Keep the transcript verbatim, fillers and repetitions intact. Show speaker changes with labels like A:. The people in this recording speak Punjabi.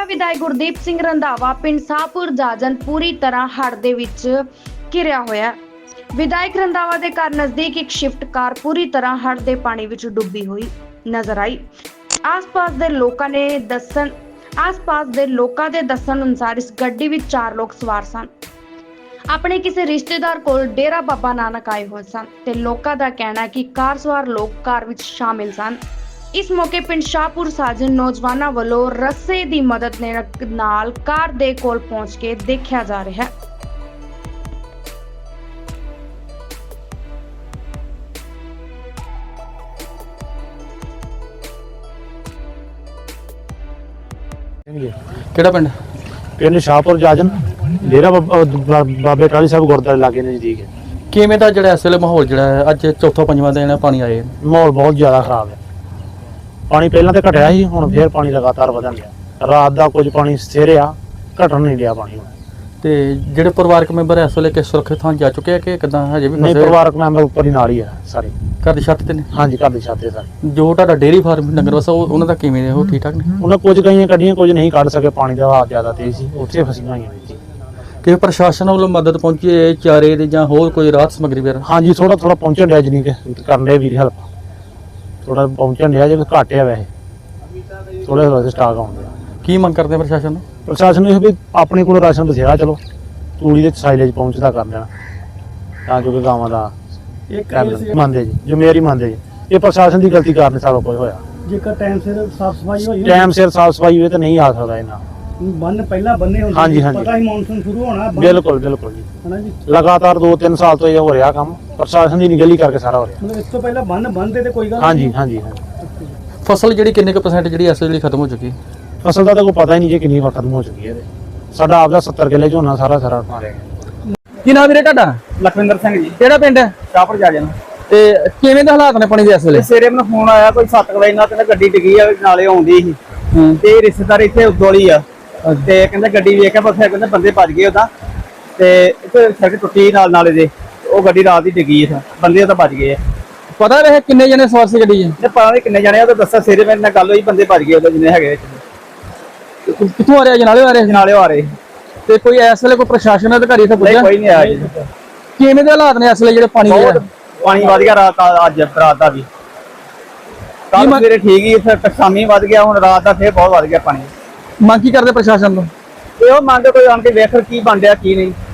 A: ਵਿਧਾਇਕ ਗੁਰਦੀਪ ਸਿੰਘ ਰੰਧਾਵਾ ਪਿੰਡ ਸਾਹਪੁਰ ਜਾਜਨ ਪੂਰੀ ਤਰ੍ਹਾਂ ਹੜ੍ਹ ਦੇ ਵਿੱਚ ਘਿਰਿਆ ਹੋਇਆ। ਵਿਧਾਇਕ ਰੰਧਾਵਾ ਦੇ ਘਰ ਨਜ਼ਦੀਕ ਇੱਕ ਸ਼ਿਫਟ ਕਾਰ ਪੂਰੀ ਤਰ੍ਹਾਂ ਹੜ੍ਹ ਦੇ ਪਾਣੀ ਵਿੱਚ ਡੁੱਬੀ ਹੋਈ ਨਜ਼ਰ ਆਈ। ਆਸ-ਪਾਸ ਦੇ ਲੋਕਾਂ ਨੇ ਦੱਸਣ ਆਸ-ਪਾਸ ਦੇ ਲੋਕਾਂ ਦੇ ਦੱਸਣ ਅਨੁਸਾਰ ਇਸ ਗੱਡੀ ਵਿੱਚ ਚਾਰ ਲੋਕ ਸਵਾਰ ਸਨ। ਆਪਣੇ ਕਿਸੇ ਰਿਸ਼ਤੇਦਾਰ ਕੋਲ ਡੇਰਾ ਬਾਬਾ ਨਾਨਕ ਆਏ ਹੋਏ ਸਨ ਤੇ ਲੋਕਾਂ ਦਾ ਕਹਿਣਾ ਹੈ ਕਿ ਕਾਰ ਸਵਾਰ ਲੋਕ ਕਾਰ ਵਿੱਚ ਸ਼ਾਮਿਲ ਸਨ। ਇਸ ਮੌਕੇ ਪਿੰਡ ਸ਼ਾਹਪੁਰ ਸਾਜਨ ਨੌਜਵਾਨਾਂ ਵੱਲੋਂ ਰੱਸੇ ਦੀ ਮਦਦ ਨਾਲ ਕਾਰ ਦੇ ਕੋਲ ਪਹੁੰਚ ਕੇ ਦੇਖਿਆ ਜਾ ਰਿਹਾ ਹੈ।
B: ਕਿਹੜਾ ਪਿੰਡ?
C: ਪਿੰਡ ਸ਼ਾਹਪੁਰ ਜਾਜਨ ਡੇਰਾ ਬਾਬਾ ਬਾਬੇ ਟਾਹਲੀ ਸਾਹਿਬ ਗੁਰਦੁਆਰੇ ਲਾਗੇ ਨਜ਼ਦੀਕ ਹੈ।
B: ਕਿਵੇਂ ਦਾ ਜਿਹੜਾ ਇਸ ਵੇਲੇ ਮਾਹੌਲ ਜਿਹੜਾ ਹੈ ਅੱਜ ਚੌਥਾ ਪੰਜਵਾਂ ਦਿਨ ਹੈ ਪਾਣੀ ਆਏ
C: ਮਾਹੌਲ ਬਹੁਤ ਜ਼ਿਆਦਾ ਖਰਾਬ ਹੈ। ਪਾਣੀ ਪਹਿਲਾਂ ਤੇ ਘਟਿਆ ਸੀ, ਹੁਣ ਫੇਰ ਪਾਣੀ ਲਗਾਤਾਰ ਵਧਣ ਲਿਆ। ਰਾਤ ਦਾ ਕੁਝ ਪਾਣੀ ਸਥਿਰ ਆ, ਘਟਣ ਨਹੀਂ ਲਿਆ ਪਾਣੀ।
B: ਤੇ ਜਿਹੜੇ ਪਰਿਵਾਰਕ ਮੈਂਬਰ ਇਸ ਵੇਲੇ ਕਿ ਸੁਰੱਖਿਅਤ ਥਾਂ ਜਾ ਚੁੱਕੇ ਆ ਕਿ ਕਿਦਾਂ ਹਜੇ ਵੀ
C: ਨਹੀਂ,
B: ਫਸੇ?
C: ਪਰਿਵਾਰਕ ਮੈਂਬਰ ਉੱਪਰ ਹੀ ਨਾਲ ਹੀ ਆ ਸਾਰੇ।
B: ਘਰ ਦੀ ਛੱਤ ਤੇ ਨੇ?
C: ਹਾਂਜੀ, ਘਰ ਦੀ ਛੱਤ ਤੇ ਸਾਰੇ।
B: ਜੋ ਤੁਹਾਡਾ ਡੇਅਰੀ ਫਾਰਮ ਡੰਗਰ ਵਸਾ ਉਹ ਉਹਨਾਂ ਦਾ ਕਿਵੇਂ ਨੇ? ਉਹ ਠੀਕ ਠਾਕ ਨੇ?
C: ਉਹਨਾਂ ਕੁਝ ਕਈਆਂ ਕੱਢੀਆਂ, ਕੁਝ ਨਹੀਂ ਕੱਢ ਸਕੇ। ਪਾਣੀ ਦਾ ਵਹਾਅ ਜ਼ਿਆਦਾ ਤੇਜ਼ ਸੀ, ਉੱਥੇ ਫਸੀਆਂ ਹੋਈਆਂ ਨੇ ਜੀ।
B: ਕਿ ਪ੍ਰਸ਼ਾਸਨ ਵੱਲੋਂ ਮਦਦ ਪਹੁੰਚੀ ਹੈ ਚਾਰੇ ਦੀ ਜਾਂ ਹੋਰ ਕੋਈ ਰਾਹਤ ਸਮੱਗਰੀ ਵਗੈਰਾ?
C: ਹਾਂਜੀ, ਥੋੜਾ ਥੋੜਾ ਪਹੁੰਚਣ ਡਿਆ, ਜਨੀ ਕਿ ਕਰਨ ਦੇ ਵੀਰ ਹੈਲਪ ਥੋੜਾ ਪਹੁੰਚਣ ਡਿਆ, ਜੇ ਘੱਟ ਆ ਵੈਸੇ ਥੋੜਾ ਥੋੜਾ ਸਟਾਕ ਆਉਂਦੇ ਆ।
B: ਕੀ ਮੰਗ ਕਰਦੇ ਆ ਪ੍ਰਸ਼ਾਸਨ ਨੂੰ?
C: ਪ੍ਰਸ਼ਾਸਨ ਨੂੰ ਇਹ ਵੀ ਆਪਣੇ ਕੋਲ ਰਾਸ਼ਨ ਬਥੇਰਾ, ਚਲੋ ਤੂੜੀ ਦੇ ਸਾਈਲੇਜ ਪਹੁੰਚਦਾ ਕਰ ਦੇਣਾ ਤਾਂ ਜੋ ਕਿ ਗਾਵਾਂ ਦਾ ਮੰਨਦੇ ਜੀ, ਜ਼ਿੰਮੇਵਾਰੀ ਮੰਨਦੇ ਜੀ। ਇਹ ਪ੍ਰਸ਼ਾਸਨ ਦੀ ਗਲਤੀ ਕਾਰਨ ਸਾਰਾ ਕੁਝ ਹੋਇਆ।
D: ਜੇਕਰ ਟਾਈਮ ਸਿਰ ਸਾਫ ਸਫਾਈ ਹੋਈ
C: ਟਾਈਮ ਸਿਰ ਸਾਫ ਸਫਾਈ ਹੋਵੇ ਤਾਂ ਨਹੀਂ ਆ ਸਕਦਾ ਇਹਨਾਂ।
D: ਬੰਨ ਪਹਿਲਾਂ ਬੰਨੇ ਹੁੰਦੇ
C: ਹਾਂਜੀ, ਹਾਂਜੀ।
D: ਪਤਾ ਹੀ ਮੌਨਸੂਨ ਸ਼ੁਰੂ ਹੋਣਾ।
C: ਬਿਲਕੁਲ ਬਿਲਕੁਲ ਜੀ,
D: ਹਨਾ ਜੀ।
C: ਲਗਾਤਾਰ ਦੋ ਤਿੰਨ ਸਾਲ ਤੋਂ ਇਹ ਹੋ ਰਿਹਾ ਕੰਮ। ਪ੍ਰਸ਼ਾਸਨ ਦੀ ਨਿਗਲੀ ਕਰਕੇ ਸਾਰਾ ਹੋ ਰਿਹਾ।
D: ਮਤਲਬ ਇਸ ਤੋਂ ਪਹਿਲਾਂ ਬੰਨ ਬੰਨਦੇ ਤੇ ਕੋਈ ਗੱਲ
C: ਹਾਂਜੀ ਹਾਂਜੀ ਹਾਂਜੀ।
B: ਫਸਲ ਜਿਹੜੀ ਕਿੰਨੇ ਕੁ ਪਰਸੈਂਟ ਜਿਹੜੀ ਇਸ ਵੇਲੇ ਖਤਮ ਹੋ ਚੁੱਕੀ?
C: ਫਸਲ ਦਾ ਤਾਂ ਕੋਈ ਪਤਾ ਹੀ ਨਹੀਂ ਜੀ ਕਿੰਨੀ ਵਾਰ ਖਤਮ ਹੋ ਚੁੱਕੀ ਹੈ। ਸਾਡਾ ਆਪਦਾ ਸੱਤਰ ਕਿੱਲੇ ਝੋਨਾ ਸਾਰਾ ਸਾਰਾ ਮਾਰਿਆ ਗਿਆ।
B: ਕੀ ਨਾਮ ਵੀਰੇ ਤੁਹਾਡਾ?
D: ਲਖਵਿੰਦਰ ਸਿੰਘ ਜੀ,
B: ਕਿਹੜਾ ਪਿੰਡ ਹੈ?
D: ਸ਼ਾਹਪੁਰ ਜਾ ਜਾਣਾ।
B: ਤੇ ਕਿਵੇਂ ਦੇ ਹਾਲਾਤ ਨੇ ਪਾਣੀ ਦੇ ਇਸ ਵੇਲੇ?
D: ਸਵੇਰੇ ਮੈਨੂੰ ਫੋਨ ਆਇਆ ਕੋਈ ਸੱਤ ਵਜੇ ਨਾਲ ਤੇ ਗੱਡੀ ਡਿੱਗੀ ਆ ਨਾਲੇ ਆਉਂਦੀ ਸੀ ਤੇ ਰਿਸ਼ਤੇਦਾਰ ਇੱਥੇ ਉਦੋਲੀ ਆ ਤੇ ਕਹਿੰਦਾ ਗੱਡੀ ਵੇਖ ਕੇ ਫਿਰ ਕਹਿੰਦੇ ਬੰਦੇ ਭੱਜ ਗਏ ਉਹਦਾ ਤੇ ਇੱਥੇ ਸੜਕ ਟੁੱਟੀ ਨਾਲ ਨਾਲੇ ਦੇ ਉਹ ਗੱਡੀ ਰਾਤ ਹੀ ਡਿੱਗੀ ਆ, ਬੰਦੇ ਉਹਦਾ ਭੱਜ ਗਏ ਆ।
B: ਪਤਾ ਰਹੇ ਕਿੰਨੇ ਜਣੇ ਸਵਾਰ ਸੀ ਗੱਡੀ 'ਚ?
D: ਤੇ ਪਤਾ ਨਹੀਂ ਕਿੰਨੇ ਜਾਣੇ ਆ, ਉਹ ਤਾਂ ਦੱਸਿਆ ਸਵੇਰੇ ਮੇਰੇ ਨਾਲ ਗੱਲ ਹੋਈ, ਬੰਦੇ ਭੱਜ ਗਏ ਉਹਦਾ ਜਿੰਨੇ ਹੈਗੇ।
B: ਕਿੱਥੋਂ ਆ ਰਿਹਾ? ਜਨਾਲੇ ਆ ਰਹੇ?
D: ਨਾਲੇ ਆ ਰਹੇ
B: ਤੇ ਕੋਈ ਇਸ ਵੇਲੇ ਕੋਈ ਪ੍ਰਸ਼ਾਸਨ ਅਧਿਕਾਰੀ ਇੱਥੇ ਪੁੱਜਿਆ?
D: ਕੋਈ ਨਹੀਂ ਆਇਆ ਜੀ।
B: ਕਿਵੇਂ ਦੇ ਹਾਲਾਤ ਨੇ ਇਸ ਵੇਲੇ ਜਿਹੜੇ ਪਾਣੀ ਦੇ?
D: ਬਹੁਤ ਪਾਣੀ ਵਧ ਗਿਆ ਰਾਤ ਦਾ, ਅੱਜ ਰਾਤ ਦਾ ਵੀ। ਕੱਲ ਸਵੇਰੇ ਠੀਕ ਹੀ, ਫਿਰ ਸ਼ਾਮੀ ਵਧ ਗਿਆ, ਹੁਣ ਰਾਤ ਦਾ ਫੇਰ ਬਹੁਤ ਵਧ ਗਿਆ ਪਾਣੀ।
B: ਮੰਗ ਕੀ ਕਰਦੇ ਪ੍ਰਸ਼ਾਸਨ ਤੋਂ?
D: ਤੇ ਉਹ ਮੰਗ ਕੋਈ ਆਣ ਕੇ ਵੇਖ ਕੀ ਬਣ ਰਿਹਾ ਕੀ ਨਹੀਂ।